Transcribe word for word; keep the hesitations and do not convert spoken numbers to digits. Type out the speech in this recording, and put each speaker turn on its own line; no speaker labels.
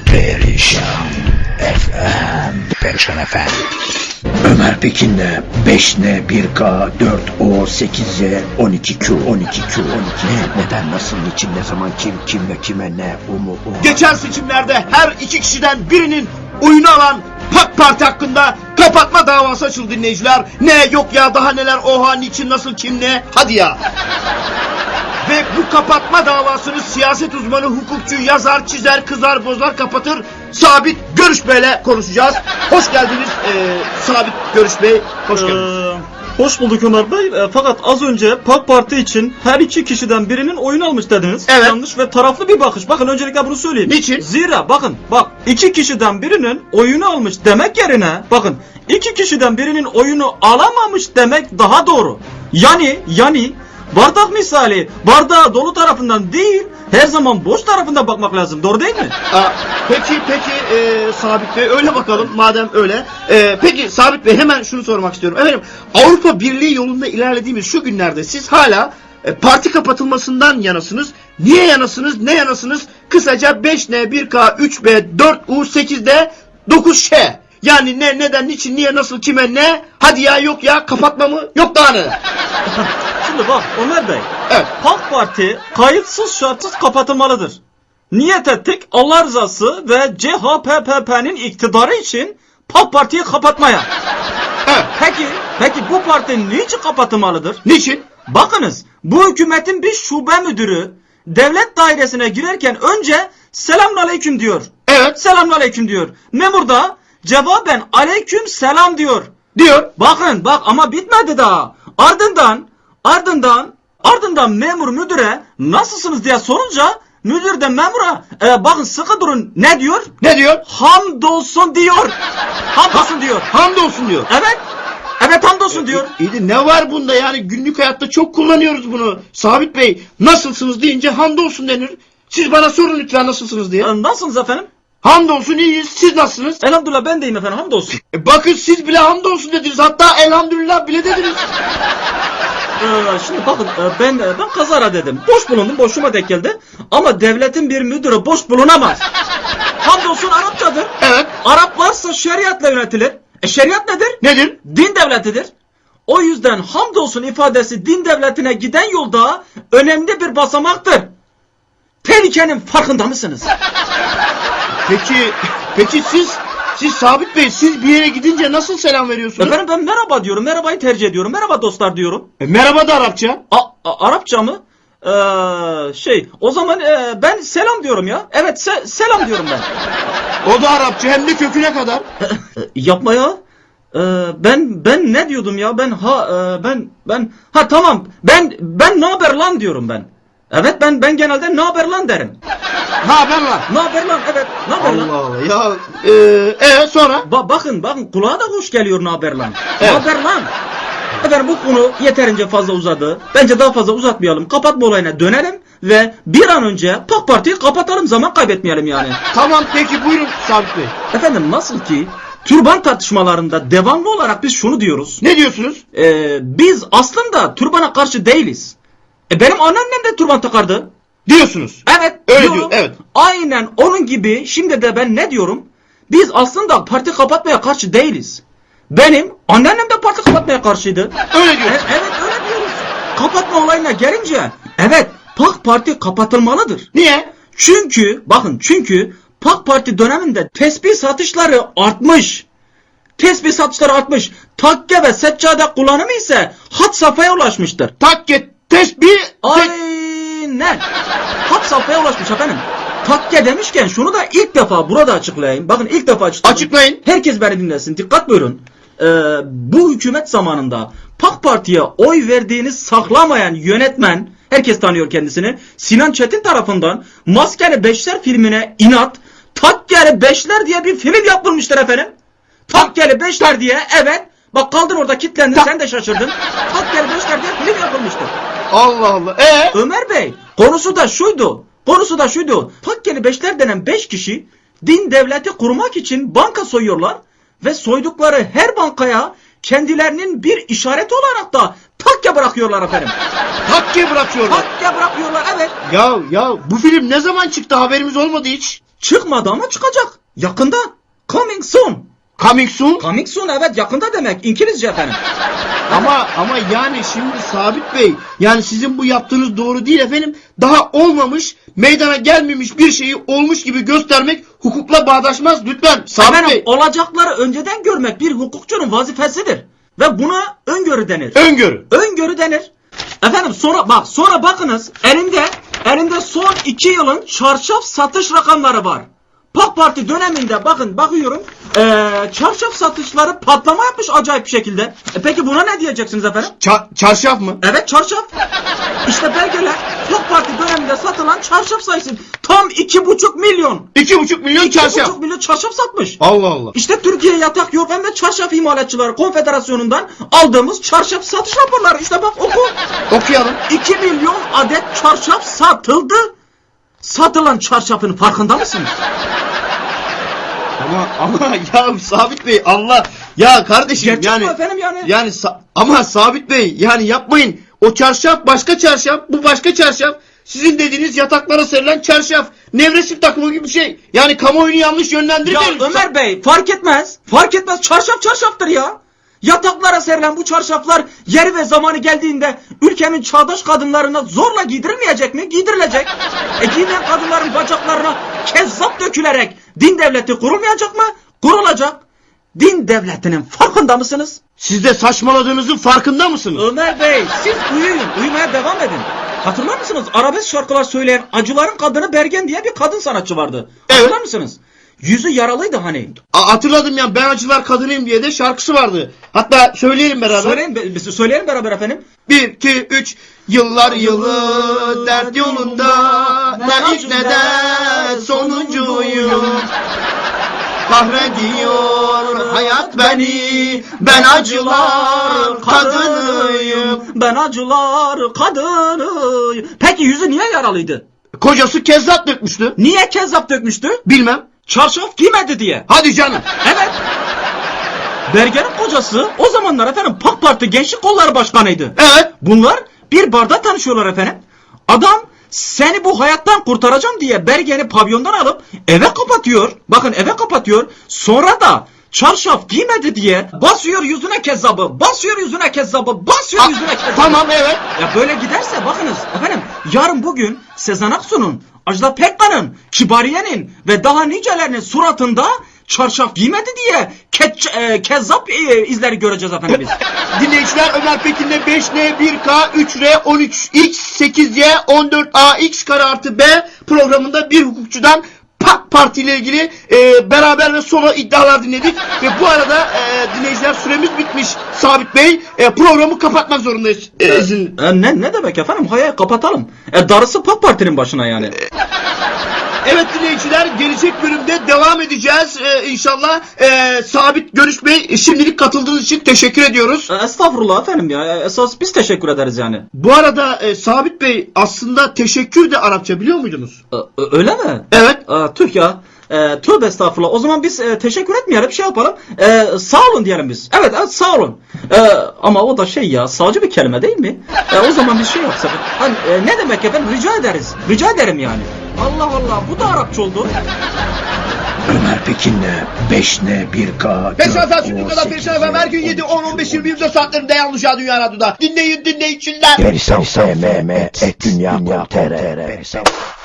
Perişan F M. Perişan F M. Ömer Pekin'le beş N bir K dört O sekiz Z on iki Q on iki Q on iki ne, neden, nasıl, niçin, ne zaman, kim, kimle, kime, ne, o mu, o.
Geçen seçimlerde her iki kişiden birinin oyunu alan PAK Parti hakkında kapatma davası açıldı dinleyiciler. Ne, yok ya, daha neler, oha, niçin, nasıl, kim, ne, hadi ya. Ve bu kapatma davasını siyaset uzmanı, hukukçu, yazar, çizer, kızar, bozar, kapatır Sabit Görüş Bey'le konuşacağız. Hoş geldiniz ee, Sabit Görüş Bey, hoş geldiniz.
Ee, hoş bulduk Ömer Bey. E, fakat az önce PAK Parti için her iki kişiden birinin oyunu almış dediniz.
Evet.
Yanlış ve taraflı bir bakış. Bakın öncelikle bunu söyleyeyim.
Niçin?
Zira bakın bak iki kişiden birinin oyunu almış demek yerine bakın iki kişiden birinin oyunu alamamış demek daha doğru. Yani yani bardak misali bardağı dolu tarafından değil her zaman boş tarafından bakmak lazım. Doğru değil mi?
Aa, peki peki e, Sabit Bey, öyle bakalım madem öyle. E, peki Sabit Bey, hemen şunu sormak istiyorum. Efendim, Avrupa Birliği yolunda ilerlediğimiz şu günlerde siz hala e, parti kapatılmasından yanasınız. Niye yanasınız? Ne yanasınız? Kısaca beş N bir K üç B dört U sekiz D dokuz Ş. Yani ne, neden, niçin, niye, nasıl, kime, ne? Hadi ya, yok ya, kapatma mı? Yok daha ne?
Şimdi bak Ömer Bey.
Evet.
PAK Parti kayıtsız şartsız kapatılmalıdır. Niyet ettik Allah rızası ve C H P P P'nin iktidarı için PAK Parti'yi kapatmaya.
Evet.
Peki, peki bu parti niçin kapatılmalıdır?
Niçin?
Bakınız, bu hükümetin bir şube müdürü devlet dairesine girerken önce selamünaleyküm diyor.
Evet.
Selamünaleyküm diyor. Memur da cevaben aleyküm selam diyor.
Diyor.
Bakın bak ama bitmedi daha. Ardından ardından ardından memur müdüre nasılsınız diye sorunca müdür de memura e, bakın sıkı durun ne diyor?
Ne diyor?
Hamdolsun diyor. Hamdolsun diyor.
Hamdolsun diyor.
Evet. Evet hamdolsun diyor.
İyi de ne var bunda, yani günlük hayatta çok kullanıyoruz bunu. Sabit Bey, nasılsınız deyince hamdolsun denir. Siz bana sorun lütfen nasılsınız diye.
E, Nasılsınız efendim?
Hamdolsun iyiyiz, siz nasılsınız?
Elhamdülillah ben deyim efendim hamdolsun.
E bakın siz bile hamdolsun dediniz, hatta elhamdülillah bile dediniz.
Ee, şimdi bakın e, ben e, ben kazara dedim. Boş bulundum, boşuma denk geldi. Ama devletin bir müdürü boş bulunamaz. Hamdolsun Arapçadır.
Evet.
Araplarsa şeriatla yönetilir. E şeriat nedir?
Nedir?
Din devletidir. O yüzden hamdolsun ifadesi din devletine giden yolda önemli bir basamaktır. Tehlikenin farkında mısınız?
Peki, peki siz, siz Sabit Bey, siz bir yere gidince nasıl selam veriyorsunuz?
Efendim ben merhaba diyorum, merhabayı tercih ediyorum, merhaba dostlar diyorum.
E, merhaba da Arapça.
A, a- Arapça mı? Ee, şey, o zaman e, ben selam diyorum ya. Evet, se- selam diyorum ben.
O da Arapça, hem de köküne kadar.
Yapma ya. Ee, ben ben ne diyordum ya? Ben ha e, ben ben ha tamam. Ben ben ne haber lan diyorum ben. Evet ben ben genelde ne haber lan derim.
Ne haber lan?
Ne haber lan? Evet. Ne haber lan?
Allah Allah ya. Eee e, sonra?
Ba- bakın bakın kulağa da hoş geliyor ne haber lan.
Evet.
Ne haber lan? Efendim bu konu yeterince fazla uzadı. Bence daha fazla uzatmayalım. Kapatma olayına dönelim ve bir an önce PAK Parti'yi kapatalım, zaman kaybetmeyelim yani.
Tamam peki, buyurun Sabit Bey.
Efendim nasıl ki türban tartışmalarında devamlı olarak biz şunu diyoruz.
Ne diyorsunuz?
Ee, biz aslında türbana karşı değiliz. E benim anneannem de türban takardı.
Diyorsunuz.
Evet.
Öyle
diyorum.
diyor, evet.
Aynen onun gibi şimdi de ben ne diyorum? Biz aslında parti kapatmaya karşı değiliz. Benim anneannem de parti kapatmaya karşıydı.
Öyle
E,
diyorsunuz.
evet öyle diyoruz. Kapatma olayına gelince evet PAK Parti kapatılmalıdır.
Niye?
Çünkü bakın çünkü PAK Parti döneminde tesbih satışları artmış. Tesbih satışları artmış. Takke ve seccade kullanımı ise had safhaya ulaşmıştır.
Takke, tesbih, te-
Aynen. Had safhaya ulaşmış efendim. Takke demişken şunu da ilk defa burada açıklayayım. Bakın ilk defa açıklayayım.
Açıklayın.
Herkes beni dinlesin. Dikkat buyurun. Ee, bu hükümet zamanında PAK Parti'ye oy verdiğini saklamayan yönetmen, herkes tanıyor kendisini, Sinan Çetin tarafından Maskeli Beşler filmine inat, Takkeli Beşler diye bir film yapılmıştır efendim. Takkeli Beşler diye, evet. Bak kaldın orada kilitlendin,
Ta-
sen de şaşırdın. Takkeli Beşler diye film yapılmıştır.
Allah Allah. Ee?
Ömer Bey, konusu da şuydu. Konusu da şuydu. Takkeli Beşler denen beş kişi din devleti kurmak için banka soyuyorlar ve soydukları her bankaya kendilerinin bir işareti olarak da takke bırakıyorlar efendim.
Takke bırakıyorlar.
Takke bırakıyorlar, evet.
Ya ya bu film ne zaman çıktı, haberimiz olmadı hiç.
Çıkmadı ama çıkacak. Yakında. Coming soon.
Coming soon.
Coming soon evet yakında demek. İngilizce efendim.
Ama ama yani şimdi Sabit Bey, yani sizin bu yaptığınız doğru değil efendim. Daha olmamış, meydana gelmemiş bir şeyi olmuş gibi göstermek hukukla bağdaşmaz lütfen Sabit
Efendim
Bey.
olacakları önceden görmek bir hukukçunun vazifesidir. Ve buna öngörü denir.
Öngörü.
Öngörü denir. Efendim sonra bak sonra bakınız elimde elimde son iki yılın çarşaf satış rakamları var. PAK Parti döneminde bakın bakıyorum ee, çarşaf satışları patlama yapmış acayip bir şekilde. E peki buna ne diyeceksiniz efendim?
Ça- çarşaf mı?
Evet çarşaf. İşte belgeler PAK Parti döneminde satılan çarşaf sayısı tam iki buçuk milyon.
İki buçuk milyon
iki
çarşaf.
buçuk milyon çarşaf satmış.
Allah Allah.
İşte Türkiye Yatak Yorgan ve Çarşaf İmalatçıları Konfederasyonu'ndan aldığımız çarşaf satış raporları. İşte bak oku.
Okuyalım.
iki milyon adet çarşaf satıldı. Satılan çarşafın farkında mısınız?
Ama ama ya Sabit Bey Allah ya kardeşim
Gerçek
yani
mi efendim yani?
yani sa- ama Sabit Bey yani yapmayın. O çarşaf başka çarşaf, bu başka çarşaf. Sizin dediğiniz yataklara serilen çarşaf. Nevresim takımı gibi bir şey. Yani kamuoyunu yanlış
Ya
yönlendirmeyin.
Ömer Bey fark etmez. Fark etmez çarşaf çarşaftır ya. Yataklara serilen bu çarşaflar yeri ve zamanı geldiğinde ülkenin çağdaş kadınlarına zorla giydirilmeyecek mi? Giydirilecek. E giyinen kadınların bacaklarına kezzap dökülerek din devleti kurulmayacak mı? Kurulacak. Din devletinin farkında mısınız?
Siz de saçmaladığınızın farkında mısınız?
Ömer Bey siz uyuyun. Uyumaya devam edin. Hatırlar mısınız? Arabesk şarkılar söyleyen Acıların Kadını Bergen diye bir kadın sanatçı vardı. Hatırlar
Evet.
mısınız? Yüzü yaralıydı hani.
A- hatırladım ya, ben acılar kadınıyım diye de şarkısı vardı. Hatta söyleyelim beraber.
Söyleyin, be- söyleyelim beraber efendim.
Bir, iki, üç. Yıllar yılı dert yolunda, ne ilk ne de sonuncuyum. Kahrediyor hayat beni, ben acılar kadınıyım.
Ben acılar kadınıyım. Peki yüzü niye yaralıydı?
Kocası kezzap dökmüştü.
Niye kezzap dökmüştü?
Bilmem.
Çarşaf giymedi diye.
Hadi canım.
Evet. Berger'in kocası o zamanlar efendim PAK Parti Gençlik Kolları Başkanıydı.
Evet.
Bunlar bir barda tanışıyorlar efendim. Adam seni bu hayattan kurtaracağım diye Bergen'i pavyondan alıp eve kapatıyor. Bakın eve kapatıyor. Sonra da çarşaf giymedi diye basıyor yüzüne kezzabı, basıyor yüzüne kezzabı, basıyor
A-
yüzüne kezzabı.
Tamam, evet.
Ya böyle giderse bakınız efendim yarın bugün Sezen Aksu'nun, Ajda Pekkan'ın, Kibariye'nin ve daha nicelerinin suratında çarşaf giymedi diye keç, e, kezzap e, izleri göreceğiz efendim biz.
Dinleyiciler, Ömer Pekin'le beş N bir K üç R on üç X sekiz Y on dört A X kare artı B programında bir hukukçudan PAK Parti ile ilgili e, beraber ve solo iddialar dinledik. Ve bu arada e, dinleyiciler, süremiz bitmiş Sabit Bey. E, programı kapatmak zorundayız. E, izin.
E, ne, ne demek efendim? Hayır kapatalım. E, darısı PAK Parti'nin başına yani.
Evet dinleyiciler, gelecek bölümde devam edeceğiz ee, inşallah. Ee, Sabit Görüş Bey, şimdilik katıldığınız için teşekkür ediyoruz.
E, estağfurullah efendim ya. E, esas biz teşekkür ederiz yani.
Bu arada e, Sabit Bey, aslında teşekkür de Arapça biliyor muydunuz?
E, öyle mi?
Evet.
E, tüh ya. E, tövbe estağfurullah. O zaman biz e, teşekkür etmeyelim, şey yapalım. E, sağ olun diyelim biz. Evet, evet sağ olun. E, ama o da şey ya, sağcı bir kelime değil mi? E, o zaman biz şey yapsak. Hani, e, ne demek efendim? Rica ederiz. Rica ederim yani. Allah Allah, bu da Arapça oldu.
Ömer Pekin'le beş N bir K
Perşembe efendim, şimdi kadar Perşembe efendim, her gün yedi, on, on beş, yirmi, yirmi dört saatlerinde Yanlış Ya Dünya Radyo'da. Dinleyin dinleyiciler.
Perisan S M M et dünya nokta com.